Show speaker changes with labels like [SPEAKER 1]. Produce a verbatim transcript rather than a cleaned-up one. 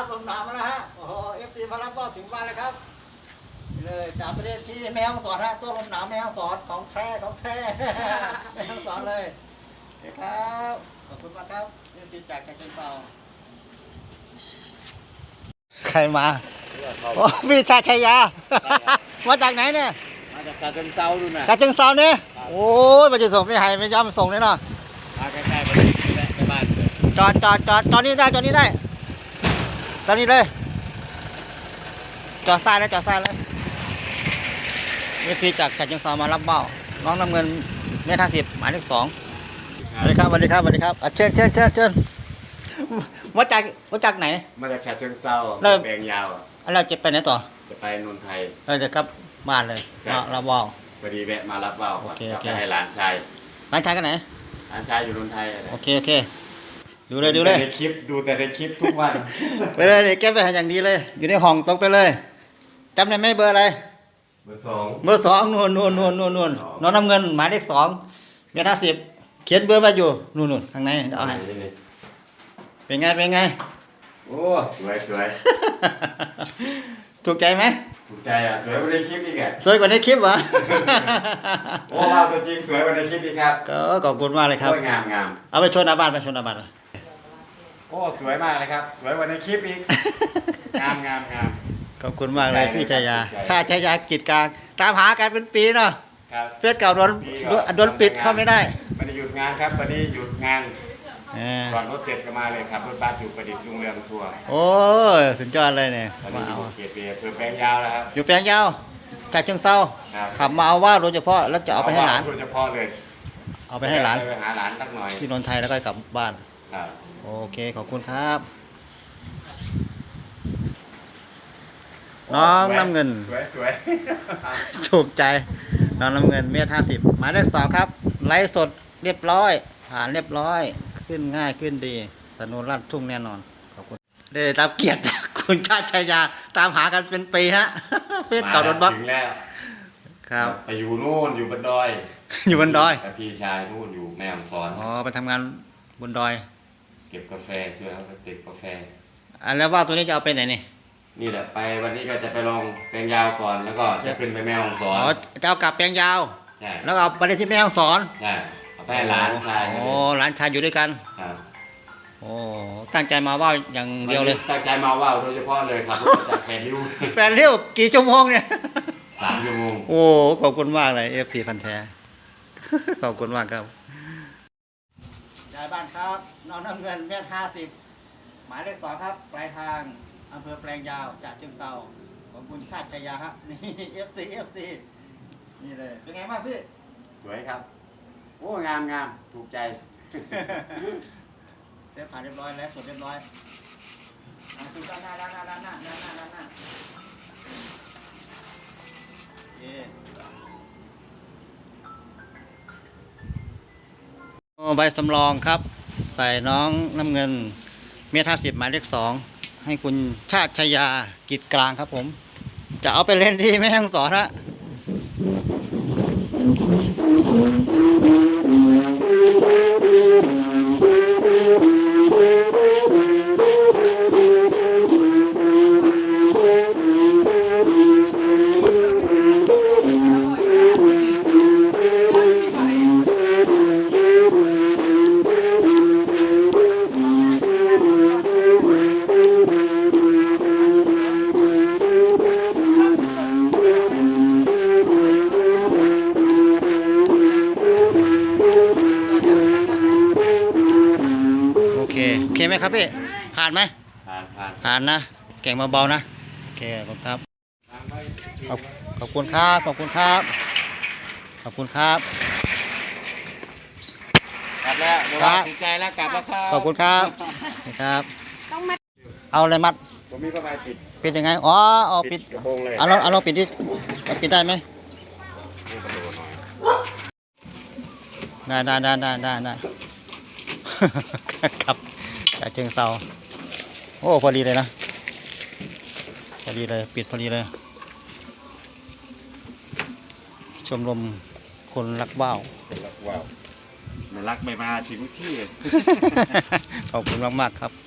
[SPEAKER 1] ลมหนาวมาแล้วฮะโอ้โหเอฟซีมารับก็ถึงบ้านแล้วครับนี่เลยจากประเทศที่แม่ฮ่องสอนฮะตัวลมหนาวแม่ฮ่องสอนของแท้ของแท้แม่ฮ่องสอนเลยครับขอบคุณมากครับเอฟซีจากฉะเชิงเทราใครมาโอ้พี่ชาชัยยามาจากไหนเนี่ย
[SPEAKER 2] มาจากฉะเชิงเทราดูนะ
[SPEAKER 1] ฉะเชิงเทราเนี่ยโอ้ยมาจะส่งไม่ให้ไม่ยอมส่งเลยเนาะ
[SPEAKER 2] มาใกล้ๆไปไปบ้าน
[SPEAKER 1] จอดจอดจอดจอดนี่ได้จอดนี่ได้จอดนี่เลยจอดซ้ายเลยจอดซ้ายเลยนี่พี่จากฉะเชิงเทรามารับเบ้าน้องน้ำเงินเมตรห้าสิบหมายเลขสองสวัสดีครับสวัสดีครับสวัสดีครับเชิญเชิญเชิญเชิญมาจากมาจากไหน
[SPEAKER 2] มาจากฉะเชิงเทราแปลงยาว
[SPEAKER 1] เราจะไปไหนต่อ
[SPEAKER 2] จะไปนนทไทย
[SPEAKER 1] เราจะกลับบ้านเลยเราเบ้า
[SPEAKER 2] พอดีแวะมารับเบ้าจะไปให้หลานชาย
[SPEAKER 1] หลานชายกันไหน
[SPEAKER 2] หลานชายอยู่นนทไทย
[SPEAKER 1] โอเคโอเคดูเลยดูเลย
[SPEAKER 2] ในคลิปดูแต่ในคลิปทุกวัน
[SPEAKER 1] ไปเลยเก็บไปอย่างดีเลยอยู่ในห้องตรงไปเลยจำได้ไหมเบอร์อะไร
[SPEAKER 2] เบอร์สอง
[SPEAKER 1] เบอร์สองนู่นนู่นนู่นนู่นนู่นน้องน้ำเงินหมายเลขสองเมตรห้าสิบเขียนเบอร์ไว้อยู่นู่นนู่นข้างในเอาให้เป็นไงเป็นไง
[SPEAKER 2] โอ้สวยสวย
[SPEAKER 1] ถูกใจไหม
[SPEAKER 2] ถูกใจอ่ะสวยกว่าในคลิปอีกอ่ะ
[SPEAKER 1] สวยกว่าในคลิปเหรอ
[SPEAKER 2] โอ้ภาพตัวจริงสวยกว่าในคลิปอีกครับ
[SPEAKER 1] ก็ขอบคุณมากเลยครับ
[SPEAKER 2] งามงาม
[SPEAKER 1] เอาไปชนอาบ้านไปชนอาบ้าน
[SPEAKER 2] โอ้สวยมากเลยครับสวยกว่าในคลิปอีกงามงามงาม
[SPEAKER 1] ขอบคุณมากเลยพี่ชัยยาชาชัยยากิจการตามหากันเป็นปีเนาะเฟซเก่าโดนโดนปิดเข้าไม่ได้
[SPEAKER 2] ไม่ได้หยุดงานครับวันนี้หยุดงานก่อนรถเสร็จก็มาเลยครับรถบัสอยู่ประดิษฐ์โรงเรียนทัวร์
[SPEAKER 1] โอ้สุดยอดเลยเนี่ย
[SPEAKER 2] มาเอาเกียรติเพื่อแปลงยาวแล้วครับ
[SPEAKER 1] อยู่แปลงยาวจากเชิงเทราขับมาเอาว่าโดยเฉพาะแล้วจะเอาไปให้หลาน
[SPEAKER 2] โดยเฉพาะเลย
[SPEAKER 1] เอาไปให้หลาน
[SPEAKER 2] ไปหาหลานสักหน่อย
[SPEAKER 1] ที่นนทไทยแล้วก็กลับบ้านโอเคขอบคุณครับน้องน้ำเงิน
[SPEAKER 2] สวยสวย
[SPEAKER 1] ถูกใจน้องน้ำเงินเมตรห้าสิบหมายเลขสองครับไลฟ์สดเรียบร้อยผ่านเรียบร้อยขึ้นง่ายขึ้นดีสนุนรัดทุ่งแน่นอนขอบคุณได้รับเกียรติจากคุณชาติชัยยาตามหากันเป็นปีฮะเฟซเก่าโดนบล็อก
[SPEAKER 2] ถึงแล้ว
[SPEAKER 1] ครับ
[SPEAKER 2] ไปอยู่นู่นอยู่บนดอย
[SPEAKER 1] อยู่บนดอย
[SPEAKER 2] แต่พี่ชายนู่นอยู่แม่ฮ่องสอน
[SPEAKER 1] อ๋อไปทำงานบนดอย
[SPEAKER 2] เก็บกาแฟช่วยเขาเก็บกาแฟ
[SPEAKER 1] อันแล้วว่าตัวนี้จะเอาไปไหนนี่
[SPEAKER 2] นี่แหละไปวันนี้ก็จะไปลองแปลงยาวก่อนแล้วก็จะขึ้นไปแม่ฮ่องสอน
[SPEAKER 1] อ๋อจะเอากลับแปลงยาว
[SPEAKER 2] ใช่
[SPEAKER 1] แล้วเอาไปที่แม่ฮ่องสอน
[SPEAKER 2] ใช่เอาไปให้หลานชาย
[SPEAKER 1] โอ้หลานชายอยู่ด้วยกัน
[SPEAKER 2] ครับ
[SPEAKER 1] โอ้ตั้งใจมาว่าอย่างเดียวเลย
[SPEAKER 2] ตั้งใจมาว่าโดยเฉพาะเลยครับจากแฟนริ้ว
[SPEAKER 1] แฟนริ้วกี่ชั่วโมงเนี่ย
[SPEAKER 2] สามชั่วโมง
[SPEAKER 1] โอ้ขอบคุณมากเลยเอฟซีพันแท้ขอบคุณมากครับยายบ้านครับน้องน้ำเงินเมตรห้าสิบหมายเลขสองครับปลายทางอำเภอแปลงยาวจากเชิงเทราของคุณชาติชัยยาครับนี่เอฟซีเอฟซีนี่เลยเป็นไงบ้างพี่
[SPEAKER 2] สวยครับโอ้งามงามถูกใจ
[SPEAKER 1] เสร็จผ่านเรียบร้อยแล้วสดเรียบร้อยดูด้านหน้าด้านหน้าด้านหน้าด้านหน้าด้านหน้าโอ้ใบสำรองครับใส่น้องน้ำเงินเมตรห้าสิบหมายเลขสองให้คุณชาติชัยยากิจกลางครับผมจะเอาไปเล่นที่แม่ฮ่องสอนนะโอเคโอเคไหมครับพี่ผ่านไหม
[SPEAKER 2] ผ่านผ่าน
[SPEAKER 1] ผ่านนะเก่งเบาๆนะโอเคขอบคุณครับขอบขอบคุณครับขอบคุณครับขอบคุณครับ
[SPEAKER 2] กลับแล้วครับดีใจแล้วกลับแล้วครับ
[SPEAKER 1] ขอบคุณครับนี่ครับต้องมัดเอาอะไรมัด
[SPEAKER 2] ผมมีผ้าใบปิด
[SPEAKER 1] ปิดยังไงอ๋อเอาปิดเอาเราเอาเราปิดดิปิดได้ไหมได้ได้ได้ได้ได้ได้ครับจากเชิงเซาโอ้พอดีเลยนะพอดีเลยปิดพอดีเลยชมรมคนรักว่าว
[SPEAKER 2] รักว่าวไม่รักไม่มาถึงที่
[SPEAKER 1] ขอบคุณมากๆครับ